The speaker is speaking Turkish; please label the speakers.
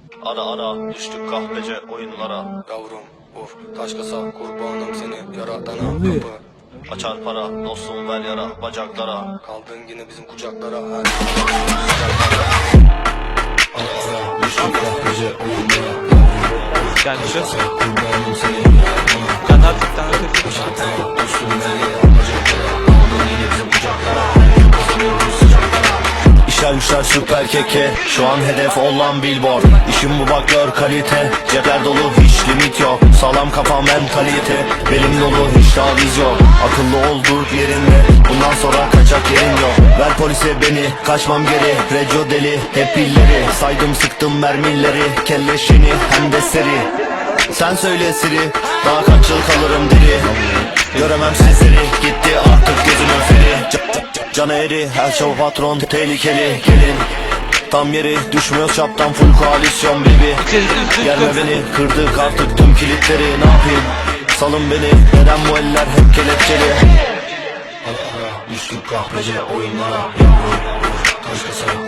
Speaker 1: Ara ara düştük kahpece oyunlara.
Speaker 2: Yavrum of taş kasa kurbanım seni yaratana kapı.
Speaker 1: Açar para dostum ver yara bacaklara.
Speaker 2: Kaldın yine bizim kucaklara her
Speaker 3: Düştük kahpece oyunlara.
Speaker 4: Yani şu
Speaker 2: kurbanım seni yaratana.
Speaker 4: can artık can artık.
Speaker 2: Düştüm nereye bacaklara. Kaldın yine bizim kucaklara. Kazanıyoruz sıcaklara.
Speaker 1: İşler güçler süper keke. Şu an hedef olan billboard. İşim bu bak gör kalite. Cepler dolu hiç limit yok. Sağlam kafa mentalite. Belim dolu hiç taviz yok. Akıllı ol dur yerinde. Bundan sonra kaçak yerin yok. Ver polise beni kaçmam geri. Reco deli hep pilleri. Saydım sıktım mermileri. Kelleşini hem de seri. Sen söyle Siri, daha kaç yıl kalırım diri. Göremem sizleri, gitti artık gözümün feri. Can eri, her şey patron tehlikeli. Gelin tam yeri, düşmüyor çaptan full koalisyon baby. Gelme beni, kırdık artık tüm kilitleri. Ne yapayım, salın beni, neden bu eller hep kelepçeli.
Speaker 3: Düştük kahpece oyunlara. Yavrum taş kasa